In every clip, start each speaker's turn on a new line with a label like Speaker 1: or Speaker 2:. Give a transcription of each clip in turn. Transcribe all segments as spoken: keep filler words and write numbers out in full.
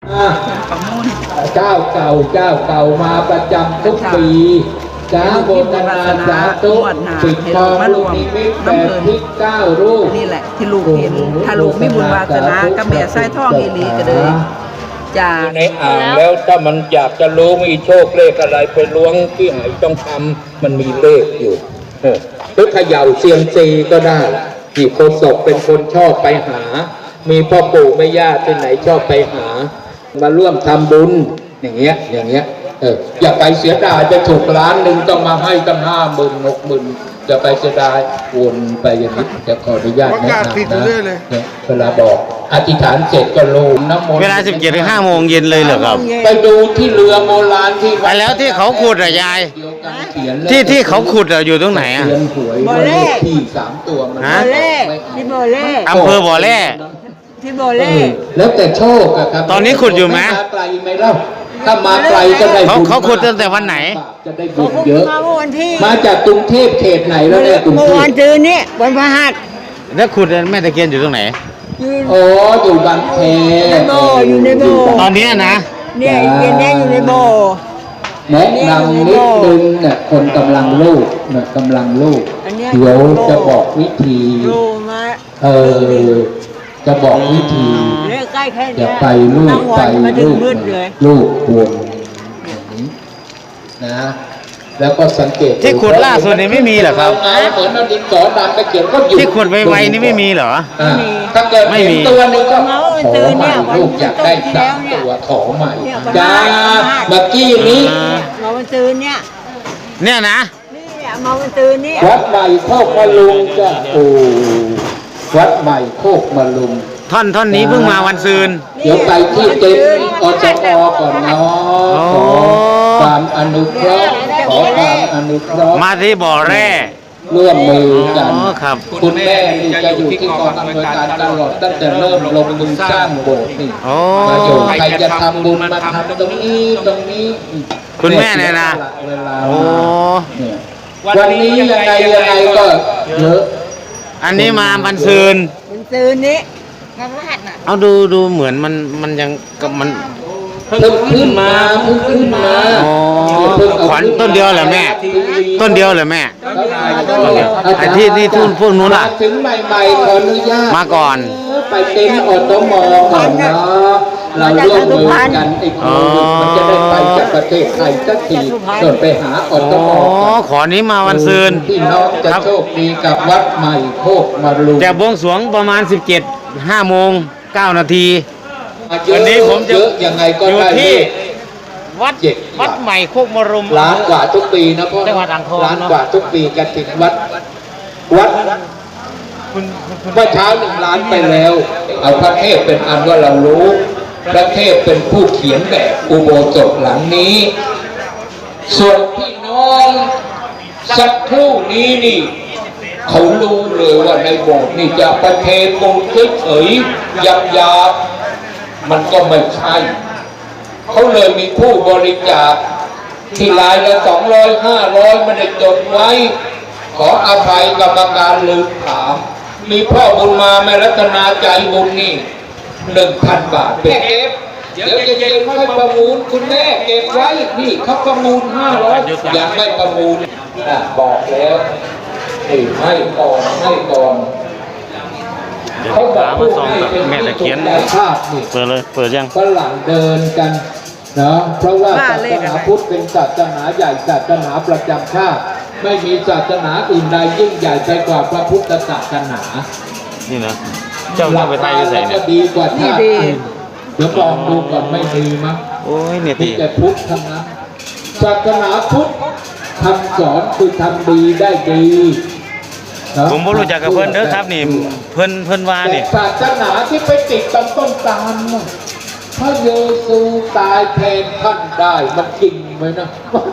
Speaker 1: ประมูล
Speaker 2: เจ้าเก่าเจ้าเก่ามาประจำทุกปีจ้าโบราณสาธุปิดทองลูกนิมิตแปดทิศเก้ารูป
Speaker 1: นี่แหละที่ลูกเห็นถ้าลูกไม่บุญวาสนาก็แม่ไส้ท่องอีหลีก็เลยจ้า
Speaker 2: ในอ่างแล้วถ้ามันอยากจะรู้มีโชคเลขอะไรไปล้วงที่ไหนต้องทำมันมีเลขอยู่หรือเขย่าเซียมซีก็ได้ที่โคศกเป็นคนชอบไปหามีพ่อปู่แม่ย่าที่ไหนชอบไปหามาร่วมทำบุญอย่างเงี้ยอย่างเงี้ยเอออย่าไปเสียดายไปถูกล้านหนึ่งต้องมาให้ตั้งห้าหมื่นหกหมื่นจะไปเสียดายวนไปอย่างนี้จะขออนุญาตแนะนำนะเวลาบอกอธิษฐานเสร็จก็ลงน้ำมนต์
Speaker 3: เวลาสิบเจ็ดถึงห้าโมงเย็นเลยเหรอครับ
Speaker 2: ไปดูที่เรือโบราณที่
Speaker 3: ไปแล้วที่เขาขุดอะยายที่ที่เขาขุดอะอยู่ตรงไหนอะ
Speaker 2: บ่อแร่ที่สามตัวมัน
Speaker 1: บ่อแร่ที่บ่อแร่
Speaker 3: อำเภอบ่อแร่
Speaker 1: ที่บ่อแร่
Speaker 2: แล้วแต่โชคอะครับ
Speaker 3: ตอนนี้ขุดอยู่ไหม
Speaker 2: มาไกลไหมเล่าถ้ามาไกลก็ได้
Speaker 3: เขาเขาขุดตั้งแต่วันไหน
Speaker 2: จะได้บุญเยอะ
Speaker 1: มาวันที่
Speaker 2: มาจากกรุงเทพเขตไหนแล้วเนี่ยกรุงเทพ
Speaker 1: วันจืนนี้วันพฤหัส
Speaker 3: แล้วขุดแม่ตะเคียนอยู่ตรงไหน
Speaker 2: โอ้อยู่บางแค
Speaker 1: อยู่ในบ่อ
Speaker 3: ตอนนี้นะ
Speaker 1: เนี่ยเย็นนี้อยู่ในบ่อ
Speaker 2: แนะนำนิดนึงเนี่ยคนกำลังลูกเนี่ยกำลังลูกเดี๋ยวจะบอกวิธีเออจะบอกวิธีจะไปลูกไปลูกลูกวนอย่างนี้นะแล้วก็สังเกต
Speaker 3: ที่ขุดล่าสุดนี่ไม่มีเหรอครับ
Speaker 2: เหมือนเราดินสอดำไปเขียนก็อยู่
Speaker 3: ที่ขุดไวๆนี่ไม่มีเหรอ
Speaker 2: ถ้าเกิดเห็นตัวนึงก็ขอใหม่ลูกอยากได้สามตัวขอใหม่จ้าเมื่อกี้นี้
Speaker 1: มาวันตื่นเนี่ย
Speaker 3: เนี่ยนะ
Speaker 1: นี่มาวันตื่นนี่
Speaker 2: วัดใหม่โคกมะลุงจ้าโอ้วัดใหม่โคกมะลุง
Speaker 3: ท่อนท่อนนี้เพิ่งมาวันซืน
Speaker 2: เดี๋ยวไปที่เต็นท์อสมก่อนเนาะขอความอนุเคราะห์ขอความอนุเคราะห์
Speaker 3: มาที่บ่อแร่
Speaker 2: ร่วมมือกัน
Speaker 3: ครับ
Speaker 2: คุณแม่นี่จะอยู่ที่กองอำนวยการตลอดตั้งแต่เริ่มลงมือสร้างโบสถ์นี่มาอยู่ใครจะทำบุญมาทำตรงนี้ตรงนี้
Speaker 3: คุณแม่เนี่ยนะโอ้
Speaker 2: วันนี้ยังไงยังไงก็เยอะ
Speaker 3: อันนี้มาวันซืน
Speaker 1: วันซืนนี้
Speaker 3: เอาดูดูเหมือนมันมันยังกับมัน
Speaker 2: เพิ่งขึ้นมาเพิ่งขึ้นมา
Speaker 3: อ๋อขวัญต้นเดียวเหรอแม่ต้นเดียวเหรอแม่ไอ้ที่นี่ทุนพวกนู้นล่ะ
Speaker 2: ถึงใหม่ๆขออนุญาต
Speaker 3: มาก่อน
Speaker 2: ไปเต็นท์อสมก่อนเนาะเราร่วมมือกันไอ้โควิดมันจะได้ไปจากประเทศไทยสักทีส่วนไปหาอสม
Speaker 3: อ๋อขอนี้มาวันซืน
Speaker 2: พี่น้องจะโชคดีกับวัดใหม่โคกมะลุง
Speaker 3: แต่บวงสรวงประมาณสิบเจ็ดห้าโมงเก้านาทีวันนี้ผมจะ
Speaker 2: ยังไงก็
Speaker 3: อยู่
Speaker 2: ได้
Speaker 3: ที่วัดวัดใหม่โคกมะรุม
Speaker 2: ล้านกว่าทุกปีนะพ่อ
Speaker 3: จังหวัดอ่างทอง
Speaker 2: ล้านกว่าทุกปีกันถึงวัดวัดเมื่อเช้าหนึ่งล้านไปแล้วเอาพระเทพเป็นอันว่าเรารู้พระเทพเป็นผู้เขียนแบบอุโบสถหลังนี้ส่วนพี่น้องสักครู่นี้นี่เขารู้เลยว่าในโบสถ์นี่จะประเทศปูนเฉยๆยับยับมันก็ไม่ใช่เขาเลยมีผู้บริจาคที่รายละสองร้อยห้าร้อยไม่ได้จดไว้ขออภัยกรรมการลืมถามมีพ่อบุญมาแม่รัตนาใจบุญนี่หนึ่งพันบาทเป็นเอฟเดี๋ยวจะเย็นค่อยประมูลคุณแม่เก็บไว้นี่เขาประมูลห้าร้อยยังไม่ประมูลบอกแล้วให้ก่อนให้ก่อน
Speaker 3: เขาบอกว่าให้แม่ตะเคียนเปิดเลยเปิดยัง
Speaker 2: ฝรั่งเดินกันเนาะเพราะว่าศาสนาพุทธเป็นศาสนาใหญ่ศาสนาประจำชาติไม่มีศาสนาอื่นใดยิ่งใหญ่ไปกว่าพระพุทธศาสนา
Speaker 3: นี่นะเจ้าไปไทยใส่เนี่ย
Speaker 2: ดีกว่าชาติอื่นเดี๋ยวลองดูก่อนไม่ดีมั้ง
Speaker 3: โอ้ยเนี่ย
Speaker 2: ที่แต่พุทธทั้งนั้นศาสนาพุทธคำสอนคือทำดีได้ดี
Speaker 3: ผมไม่รู้จักกับเพื่อนเด้อครับนี่เพื่อนเพื่อนว่านี่
Speaker 2: ศาสนาที่ไปติดต้นต้นตาลพระเยซูตายแทนท่านได้มันจริงไหมนะ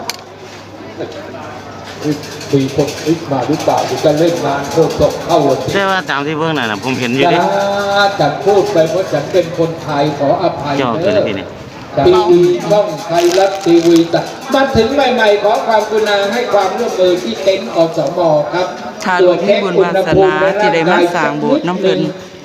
Speaker 2: มีคนคิดมาหรือเปล่าจะเล่นงานโคตรเข้า
Speaker 3: ใช่ว่าตามที่เพื่อนน่ะผมเห็นอยู่ดิ
Speaker 2: ฉันพูดไปเพราะฉันเป็นคนไทยขออภัยเด้อทีวีช่องไทยรัฐทีวีแต่มาถึงใหม่ๆขอความกรุณาให้ความร่วมมือที่เต็นท์อสมครับ
Speaker 1: ถ้าลูกมีบุญวาสนาที่ได้มาสร้างโบสถ์น้ำเพิ่น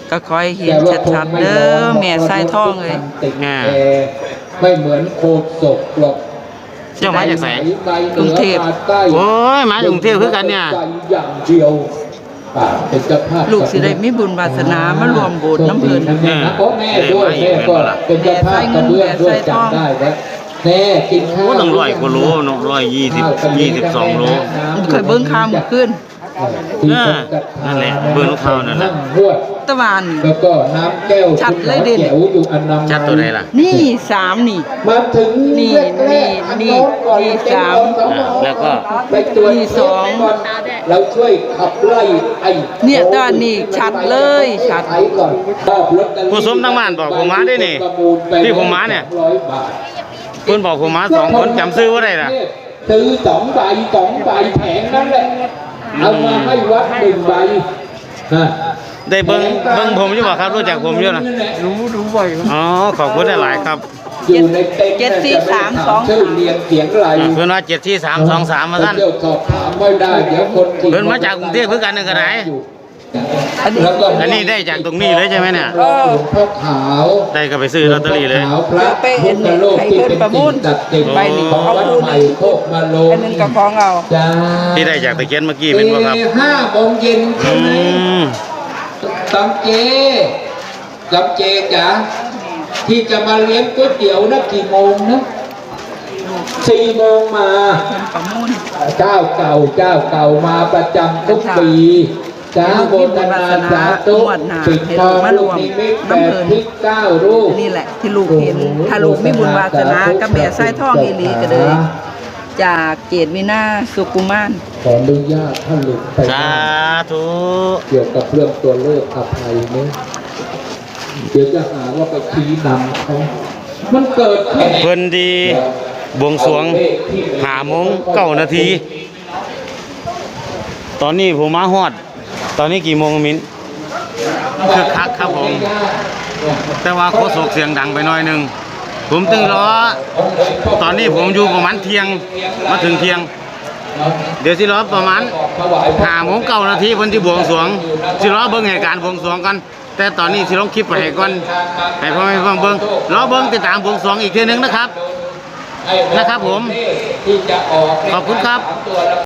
Speaker 1: ก็คอยเห็นชัดๆเด้อแม่สายทองเลย
Speaker 3: อ่า
Speaker 2: ไม่เหมือนโคศกหรอก
Speaker 3: เจ้ามาจากไหน
Speaker 1: กรุงเทพ
Speaker 3: โอ้ยมาจากกรุงเทพคือกันเนี่ย
Speaker 2: อย่างเดียวอ่าเป็นเจ้าภาพ
Speaker 1: ลูกสิได้มีบุญวาสนามารวมโบสถ์น้ำเพิ่น
Speaker 2: โชคดีนะโอ้แม่ด้วยแม่ก็เป็นเจ้าภาพกระเบื้องด้วยจำได้แล้วแม่กินข้าว
Speaker 3: โอ้ต้องร้อยกว่าโลเนาะร้อยยี่สิบยี่สิบสองโล
Speaker 1: เคยเบิ่งข่าวมื้อคืน
Speaker 2: ที่คนกระทา
Speaker 3: นั่นแหละเบิ่งข่าวนั่นแหละ
Speaker 2: งวด
Speaker 1: ตะวัน
Speaker 2: แล้วก็น้ำแก้ว
Speaker 1: ชัดเลยดิ
Speaker 2: แก้วอยู่อันนำ
Speaker 3: ชัดตัวใดล่ะ
Speaker 1: นี่สามนี่
Speaker 2: มาถึง
Speaker 1: นี่
Speaker 2: แรกๆอั
Speaker 1: นี่
Speaker 2: โก่อน
Speaker 1: นี่
Speaker 2: เป็น
Speaker 1: สาม
Speaker 2: สอง
Speaker 3: อ่าแล้วก็
Speaker 2: ไปตรวจ
Speaker 1: นี่สอง
Speaker 2: ก่อนเราช่วยขับไล่ไอ้
Speaker 1: เนี่ยตอนนี้ชัดเลยชัด
Speaker 2: ไอ้ก่อนมอบลอตเตอรี่
Speaker 3: ผู้สมทั้งบ้านบอกผมมาได้นี่
Speaker 2: ประมูลไป
Speaker 3: ที่ผมมาเนี่ย
Speaker 2: สองร้อยบาท
Speaker 3: เพิ่นบอกผมมาสองคนจำซื้อว่าได้ล่ะ
Speaker 2: ซื้อสองใบสองใบแผงนั้นแหละเอามาให้วัดหนึ่งใบนะ
Speaker 3: ได้เบิ่งเบิ่งผมอยู่บ่ครับรู้จักผมอยู่นะ
Speaker 2: รู้รู้บ่อย
Speaker 3: อ๋อขอบคุณหลายๆครับ
Speaker 2: อยู่ในเต็นท์
Speaker 1: เจ็ดสี่สามสอง
Speaker 2: ชื่อเรียนเสียงไร
Speaker 3: อ่าเพิ่นว่าเจ็ดที่สามสองสามมาท่าน
Speaker 2: เดี๋ยวสอบถามไม่ได้เดี๋ยวคนที่
Speaker 3: เพิ่นมาจากกรุงเทพคือกันนึงก็ได้
Speaker 1: อันนี้
Speaker 2: แล้วก็
Speaker 3: อันนี้ได้จากตรงนี้เลยใช่ไหมเนี่ย
Speaker 2: หลวงพ่อขาว
Speaker 3: ได้ก็ไปซื้อลอตเตอรี่เลย
Speaker 2: หวงพ่อขาวพระพุทธโลกที่เป็นสิ่งศักดิ์สิทธิ์
Speaker 1: ใบนี้
Speaker 2: ของ
Speaker 1: เอา
Speaker 2: วัด
Speaker 1: คู่
Speaker 2: ให
Speaker 1: ห
Speaker 2: ม่
Speaker 1: นึ่ง
Speaker 2: โคกมาลง
Speaker 1: อันหนึงก็ของเรา
Speaker 2: จ้า
Speaker 3: ที่ได้จากตะเคียนเมื่อกี้เป็นบ่ครับ
Speaker 2: เอ่อห้าโมงเย็นใช่
Speaker 3: อื
Speaker 2: ไหม
Speaker 3: ม
Speaker 2: จำเจจำเจจ๋าที่จะมาเลี้ยงก๋วยเตี๋ยวนะกี่โมงนะสี่โมงมา
Speaker 1: เพิ่นประมูล
Speaker 2: เจ้าเก่าเจ้าเก่ามาประจำทุกปีจ้าโบทนาสาธุปิดทองลูกนิมิตแปดทิศเก้ารูป
Speaker 1: นี่แหละที่ลูกเห็น ถ้าลูกมีบุญวาสนากับแม่สายทองอีหลีก็เลย จากเกตวินาสุกุมาร
Speaker 2: ขออนุญาตท่านหลุดไป
Speaker 3: สาธุ
Speaker 2: เกี่ยวกับเรื่องตัวเลขอภัยนี้เดี๋ยวจะหาว่าไปชี้นำเขามันเกิดขึ้น
Speaker 3: เพิ่นดีบวงสรวงหาโมงเก้านาที ตอนนี้ผมมาฮอด ตอนนี้กี่โมงมิ้นคึกคักครับผม แต่ว่าโคศกเสียงดังไปหน่อยหนึง ผมตึงรอ ตอนนี้ผมอยู่ประมาณเที่ยง มาถึงเที่ยง เดี๋ยวสิรอประมาณห้าโมงเก้านาทีเพิ่นที่บวงสรวงสิรอเบิ่งเหตุการณ์บวงสรวงกัน แต่ตอนนี้สิลงคลิปไปให้ก่อนให้พ่อแม่ฟังเบิ่งรอเบิ่งติดตามบวงสรวงอีกทีหนึงนะครับ นะครับผม
Speaker 2: ที่จะออก
Speaker 3: ขอบคุณครับ